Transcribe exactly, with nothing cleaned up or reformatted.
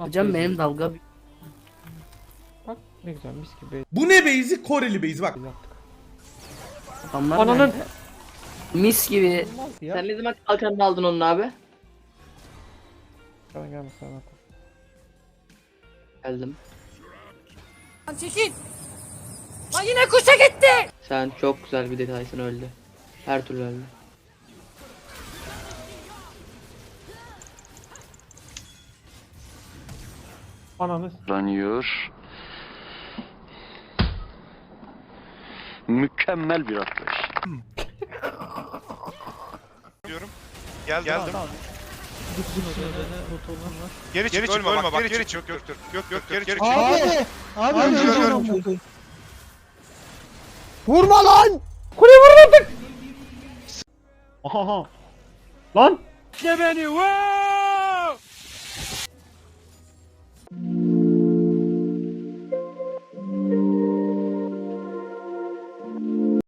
Hocam benim dalga Bak ne güzel mis gibi Bu ne base'i? Koreli base bak. yaptık. adamlar Ananın- nerede? Mis gibi. Olmaz ya. Sen ne zaman kalkanını aldın onun abi? Sana gelme sana. Geldim. Lan çekil. Lan yine kuşa gitti. Sen çok güzel bir detaysın, öldü. Her türlü öldü. Ananı Ranıyor. Mükemmel bir atlayış. Diyorum. Gel geldim. Geri çık, ölme, bak, bak, geri çık. Yok yok yok yok geri çık. Abi! Abi Abi, öleceğim ölüyorum. ben. vurma lan! Kuleye vurun artık! Aha. Lan!